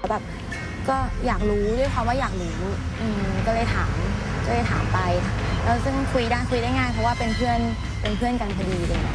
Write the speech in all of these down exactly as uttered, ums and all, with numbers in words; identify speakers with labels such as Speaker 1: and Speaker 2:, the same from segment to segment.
Speaker 1: แบบก็อยากรู้ด้วยความว่าอยากรู้ก็เลยถามก็เลยถามไปแล้วซึ่งคุยได้คุยได้ง่ายเพราะว่าเป็นเพื่อนเป็นเพื่อนกันพอดีเลย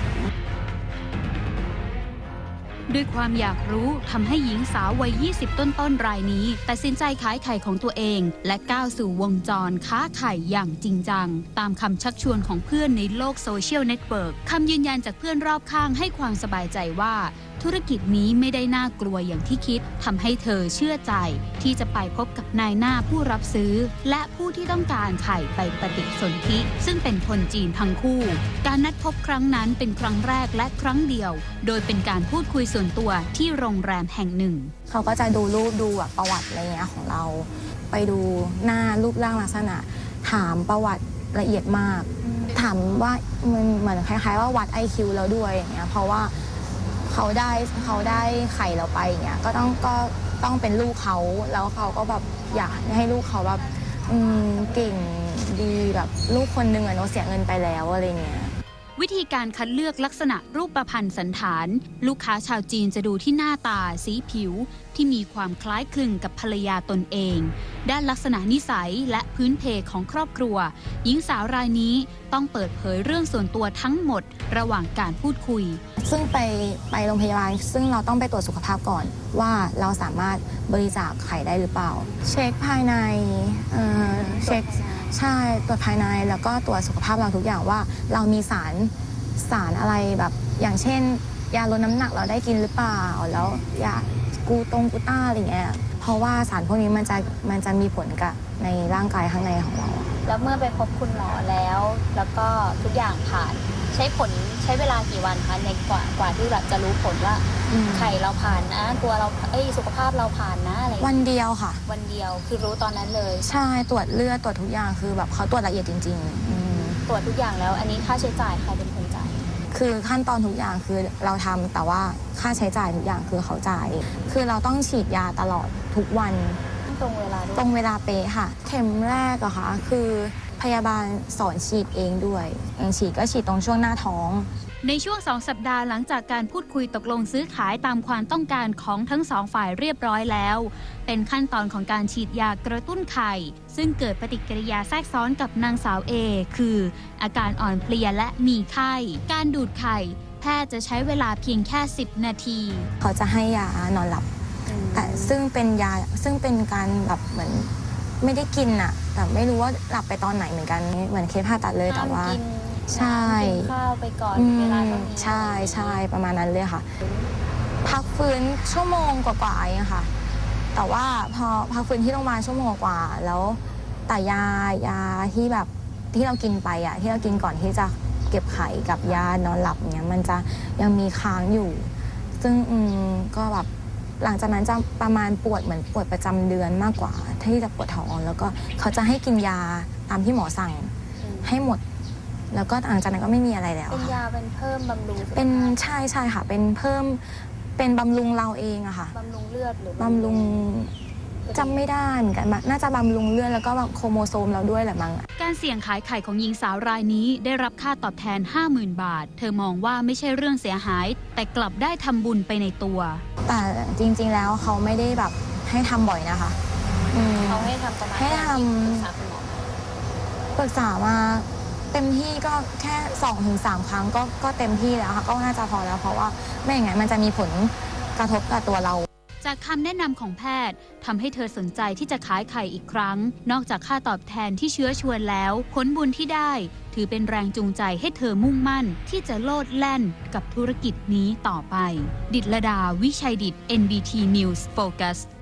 Speaker 2: ด้วยความอยากรู้ทำให้หญิงสาววัยยี่สิบต้นๆรายนี้ตัดสินใจขายไข่ของตัวเองและก้าวสู่วงจรค้าไข่อย่างจริงจังตามคำชักชวนของเพื่อนในโลกโซเชียลเน็ตเวิร์กคำยืนยันจากเพื่อนรอบข้างให้ความสบายใจว่าธุรกิจนี้ไม่ได้น่ากลัวอย่างที่คิดทำให้เธอเชื่อใจที่จะไปพบกับนายหน้าผู้รับซื้อและผู้ที่ต้องการไข่ไปปฏิสนธิซึ่งเป็นคนจีนทั้งคู่การนัดพบครั้งนั้นเป็นครั้งแรกและครั้งเดียวโดยเป็นการพูดคุยส่วนตัวที่โรงแรมแห่งหนึ่ง
Speaker 1: เขาก็จะดูรูปดูแบบประวัติอะไรเงี้ยของเราไปดูหน้ารูปร่างลักษณะถามประวัติละเอียดมากถามว่ามันเหมือนคล้ายๆว่าวัด ไอ คิว เราด้วยอย่างเงี้ยเพราะว่าเขาได้เขาได้ไข่เราไปอย่างเงี้ยก็ต้องก็ต้องเป็นลูกเขาแล้วเขาก็แบบอยากให้ลูกเขาแบบเก่งดีแบบลูกคนหนึ่งอะเนาะเสียเงินไปแล้วอะไรเงี้ย
Speaker 2: วิธีการคัดเลือกลักษณะรูปประพันธ์สันฐานลูกค้าชาวจีนจะดูที่หน้าตาสีผิวที่มีความคล้ายคลึงกับภรรยาตนเองด้านลักษณะนิสัยและพื้นเพของครอบครัวหญิงสาวรายนี้ต้องเปิดเผยเรื่องส่วนตัวทั้งหมดระหว่างการพูดคุย
Speaker 1: ซึ่งไปไปโรงพยาบาลซึ่งเราต้องไปตรวจสุขภาพก่อนว่าเราสามารถบริจาคไข่ได้หรือเปล่าเช็คภายในเอ่อเช็คใช่ตรวจภายในแล้วก็ตรวจสุขภาพเราทุกอย่างว่าเรามีสารสารอะไรแบบอย่างเช่นยาลดน้ำหนักเราได้กินหรือเปล่าแล้วยากูตงกูต้าอะไรเงี้ยเพราะว่าสารพวกนี้มันจะมันจะมีผลกับในร่างกายข้างในของเรา
Speaker 3: แล้วเมื่อไปพบคุณหมอแล้วแล้วก็ทุกอย่างผ่านใช้ผลใช้เวลากี่วันคะในกว่ากว่าที่แบบจะรู้ผลว่าไข่เราผ่านนะตัวเราเอ้ยสุขภาพเราผ่านนะอะไร
Speaker 1: วันเดียวค่ะ
Speaker 3: วันเดียวคือรู้ตอนนั้นเลย
Speaker 1: ใช่ตรวจเลือดตรวจทุกอย่างคือแบบเขาตรวจละเอียดจริง
Speaker 3: ๆตรวจทุกอย่างแล้วอันนี้ค่าใช้จ่ายใครเป็นคนจ่าย
Speaker 1: คือขั้นตอนทุกอย่างคือเราทำแต่ว่าค่าใช้จ่ายทุกอย่างคือเขาจ่ายคือเราต้องฉีดยาตลอดทุกวัน
Speaker 3: ตรงเวลา
Speaker 1: ตรงเวลาเป๊ะค่ะเข็มแรกอะค่ะคือพยาบาลสอนฉีดเองด้วยเองฉีดก็ฉีดตรงช่วงหน้าท้อง
Speaker 2: ในช่วงสองสัปดาห์หลังจากการพูดคุยตกลงซื้อขายตามความต้องการของทั้งสองฝ่ายเรียบร้อยแล้วเป็นขั้นตอนของการฉีดยากระตุ้นไข่ซึ่งเกิดปฏิกิริยาแทรกซ้อนกับนางสาวเอคืออาการอ่อนเพลียและมีไข้การดูดไข่แพทย์จะใช้เวลาเพียงแค่สิบนาที
Speaker 1: เขาจะให้ยานอนหลับแต่ซึ่งเป็นยาซึ่งเป็นการแบบเหมือนไม่ได้กินอะแต่ไม่รู้ว่าหลับไปตอนไหนเหมือนกันเหมือนเคสผ่าตัดเลยแต่ว่าใช่
Speaker 3: กินข้าวไปก่อนเวลาเท่านี้
Speaker 1: ใช่ใช่ประมาณนั้นเลยค่ะพักฟื้นชั่วโมงกว่าๆเองค่ะแต่ว่าพอพักฟื้นที่โรงพยาบาลชั่วโมงกว่าแล้วแต่ยายาที่แบบที่เรากินไปอะที่เรากินก่อนที่จะเก็บไข่กับยานอนหลับเนี้ยมันจะยังมีค้างอยู่ซึ่งอืมก็แบบหลังจากนั้นจะประมาณปวดเหมือนปวดประจำเดือนมากกว่าที่จะปวดท้องแล้วก็เขาจะให้กินยาตามที่หมอสั่งให้หมดแล้วก็หลังจากนั้นก็ไม่มีอะไรแล้ว
Speaker 3: เป็นยาเป็นเพิ่มบำรุง
Speaker 1: เป็นใช่ใช่ค่ะเป็นเพิ่มเป็นบำรุงเราเองอะค่ะ
Speaker 3: บำรุงเลือดหรือบ
Speaker 1: ำรุงจำไม่ได้เหมือนกันน่าจะบำรุงเลือดแล้วก็โครโมโซมเราด้วยแหละมั้ง
Speaker 2: การเสี่ยงขายไข่ของหญิงสาวรายนี้ได้รับค่าตอบแทน ห้าหมื่น บาทเธอมองว่าไม่ใช่เรื่องเสียหายแต่กลับได้ทำบุญไปในตัว
Speaker 1: แต่จริงๆแล้วเขาไม่ได้แบบให้ทำบ่อยนะคะ
Speaker 3: เขาให้ทำประมาณ
Speaker 1: ให้ทำปรึกษามาเต็มที่ก็แค่ สองถึงสาม ครั้งก็ก็เต็มที่แล้วค่ะก็น่าจะพอแล้วเพราะว่าไม่อย่างนั้นมันจะมีผลกระทบกับตัวเรา
Speaker 2: จากคำแนะนำของแพทย์ทำให้เธอสนใจที่จะขายไข่อีกครั้งนอกจากค่าตอบแทนที่เชื้อชวนแล้วผลบุญที่ได้ถือเป็นแรงจูงใจให้เธอมุ่งมั่นที่จะโลดแล่นกับธุรกิจนี้ต่อไปดิษฐลดาวิชัยดิษฐ์ เอ็น บี ที News Focus